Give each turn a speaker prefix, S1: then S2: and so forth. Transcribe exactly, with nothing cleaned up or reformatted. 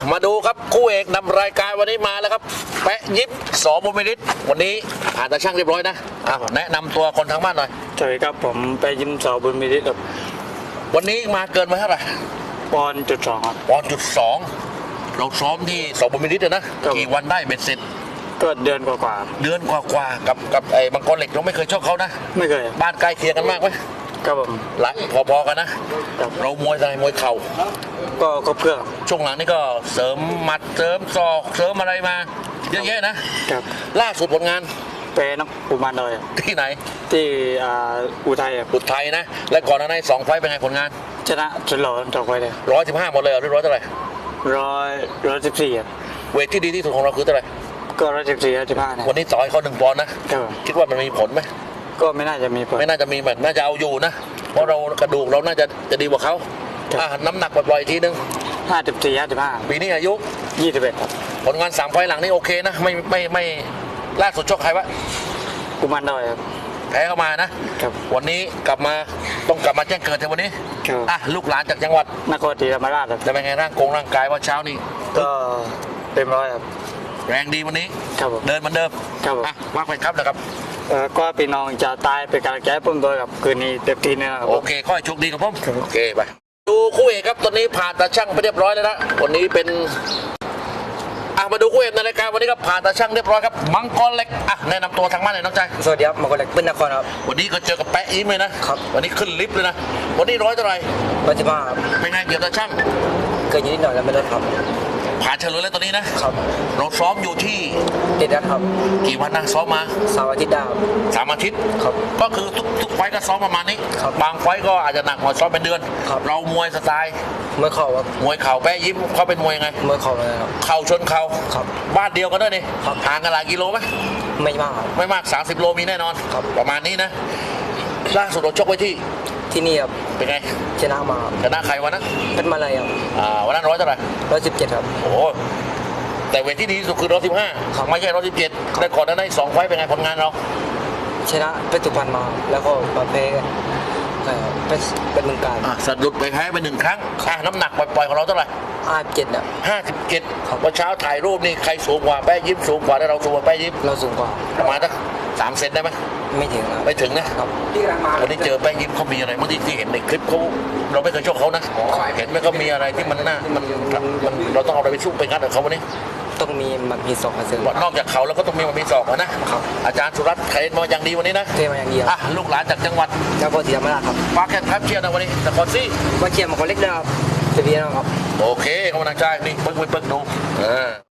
S1: มาดูครับคู่เอกนำรายการวันนี้มาแล้วครับแปะยิบสอบุญมิตรวันนี้ผ่านตาช่างเรียบร้อยนะอ่ะแนะนำตัวคนทางบ้านหน่อย
S2: สวัสดีครับผมไปยิมสอบุญมิตรครับ
S1: วันนี้มาเกินไปเท่าไหร่
S2: ปอนจุดสองครับ
S1: ปอนจุดสองเราซ้อมที่สอบุญมิตรนะกี่วันได้เบ็ดเสร็จ
S2: ก็เดือนกว่า
S1: ๆเดือนกว่าๆกับกับไอ้บางกรเหล็กเราไม่เคยชกเขานะ
S2: ไม่เคย
S1: บ้านใกล้เคียงกันมากไหม
S2: ครับผม
S1: หลังพอๆกันนะเรามวยอะไรมวยเข่า
S2: ก็ครบเครื่อง
S1: ช่วงหลังนี่ก็เสริมหมัดเสริมศอกเสริมอะไรมาเยอะแยะนะครับล่าสุดผลงาน
S2: เป็นนักอุมานเลย
S1: ที่ไหน
S2: ที่อุทัย
S1: อุทัยนะและก่อนหน้านั้นสองไฟเป็นไงผลงาน
S2: ชนะชนหล่อสองไฟเลย
S1: ร้อยสิบห้าหมดเลยหรือร้อยเท่าไหร่
S2: ร้อยร้อยสิบสี่
S1: เวทที่ดีที่สุดของเราคือเท่าไหร่
S2: ก็ร้อยสิบสี่ร้อยสิบห้า
S1: วันนี้ต่อยเขาหนึ่งปอนด์นะคิดว่ามันมีผลไหม
S2: ก็ไม่น่าจะมีผล
S1: ไม่น่าจะมีแบบน่าจะเอาอยู่นะเพราะเรากระดูกเราน่าจะจะดีกว่าเขาอ่าน้ำหนักปล่อยๆทีนึง
S2: ห้าสิบสี่ห้าสิบห้า
S1: ปีนี้อายุ
S2: ยี่สิบเอ็ด
S1: ผลงานสามไฟหลังนี่โอเคนะไม่ไม่ไม่ล่าสุดชกใครวะ
S2: กุมารดอยครับ
S1: แพ้เข้ามานะวันนี้กลับมาต้องกลับมาแจ้งเกิดในวันนี้อ่ะลูกหลานจากจังหวัด
S2: นครศรีธรรมราช
S1: จะเป็นไงร่างกงร่างกายว่าเช้านี้
S2: ก็เต็มร้อยครับ
S1: แรงดีวันนี้
S2: ครับ
S1: เดินเหมือนเดิม
S2: ครับ
S1: อ่ะว่าไปครับนะครับ
S2: เออก็พี่น้องจะตายเป็นกำลังใจให้ผมด้วยครับคืนนี้เต็มที่แน่ครับ
S1: โอเคค่อยโชคดีครับผมโอเคไปดูคู่เอกครับตอนนี้ผ่านตาช่างไปเรียบร้อยแล้วนะวันนี้เป็นอ่ะมาดูคู่เอกในรายการวันนี้ครับผ่านตาช่างเรียบร้อยครับมังกรเล็กอ่ะแนะนำตัวทางบ้านเลยน้องใจ
S2: สวัสดีครับมังกรเล็กเป็นนครครับ
S1: วันนี้ก็เจอกับแปะยิ้มเลยนะครับวันนี้ขึ้นลิฟต์เลยนะวันนี้ร้อยเท่าไหร่
S2: ร้อยสิบห้า
S1: เป็นไงเกี่ยวกับตาช่าง
S2: เกินนิดหน่อยแล้วไม่ลดครับ
S1: ผ่านเฉลยแล้วตอนนี้นะครับเราซ้อมอยู่ที่
S2: เด็ดครับ
S1: กี่วันนะซ้อมมา
S2: สามอาทิตย์ดาว
S1: สามอาทิตย์
S2: ครับ
S1: ก็คือทุกทุกไฟก็ซ้อมประมาณนี้บางไฟก็อาจจะหนักหน่อยซ้อมเป็นเดือนเรามวยสไตล์
S2: มวยเข่าครับ
S1: มวยเข่าแปะยิ้มเขาเป็นมวยยังไง
S2: มวยเข่าเลยครับ
S1: เข่าชนเข่า
S2: ครับ
S1: บ้านเดียวกันด้วยนี่ห่างกันหลายกิโลไหม
S2: ไม่มาก
S1: ไม่มากสามสิบโลมีแน่นอนประมาณนี้นะล่าสุดเราชกไว้ที่
S2: ที่นี่ครับ
S1: เป็นไง
S2: ชนะมา
S1: ชนะใครวันนั้น
S2: เป็นมาเลยครับ
S1: อ่าวันนั้นร้อยเท่าไหร่
S2: ร้อยสิบเจ็ดครับ
S1: โอ้แต่เวทที่ดีที่สุดคือร้อยสิบห้าไม่ใช่ร้อยสิบเจ็ดได้ก่อนนั้นได้สองไฟเป็นไงผลงานเรา
S2: ชนะเพชรสุพรรณมาแล้วก็มาแพ้เป็นเป็นเมืองการ
S1: อ่ะสะดุดไปแพ้ไปหนึ่งครั้งอ่ะน้ำหนักปล่อยๆของเราเท่าไหร่
S2: ห้าสิบเจ็ดอ่ะ
S1: ห้าสิบเจ็ดวันเช้าถ่ายรูปนี่ใครสูงกว่าแป้ยิ้มสูงกว่าได้เราสูงกว่าแป้ยิ้ม
S2: เราสูงกว่า
S1: ประมาณสักสามเซนได้ไหม
S2: ไม่ถึง
S1: ไม่ถึงนะครับวันนี้เจอแป้ยิ้มเขามีอะไรเมื่อที่ที่เห็นในคลิปเขาเราไม่เคยชกเขานะเห็นไหมเขามีอะไรที่มันน่ามันมันเราต้องเอาอะไรไปสู้ไปงัดกับเขาวันนี้
S2: ต้องมีมันมีศอกเสริม
S1: นอกจากเขาแล้วก็ต้องมีมันมีศอกนะอาจารย์สุรัตน์เทรนมาอย่างดีวันนี้นะ
S2: เทรนมาอย่างดี
S1: อ่ะลูกหลานจากจังหวัด
S2: นครศรีธรรมราชครับ
S1: ฝากแข่งขันเชียร์นะวันนี้นครศรี
S2: มาเชียร์มาคนเล็กนะครับจะดีนะครับ
S1: โอเคกำลังใจนี่ปึ๊กปึ๊กดู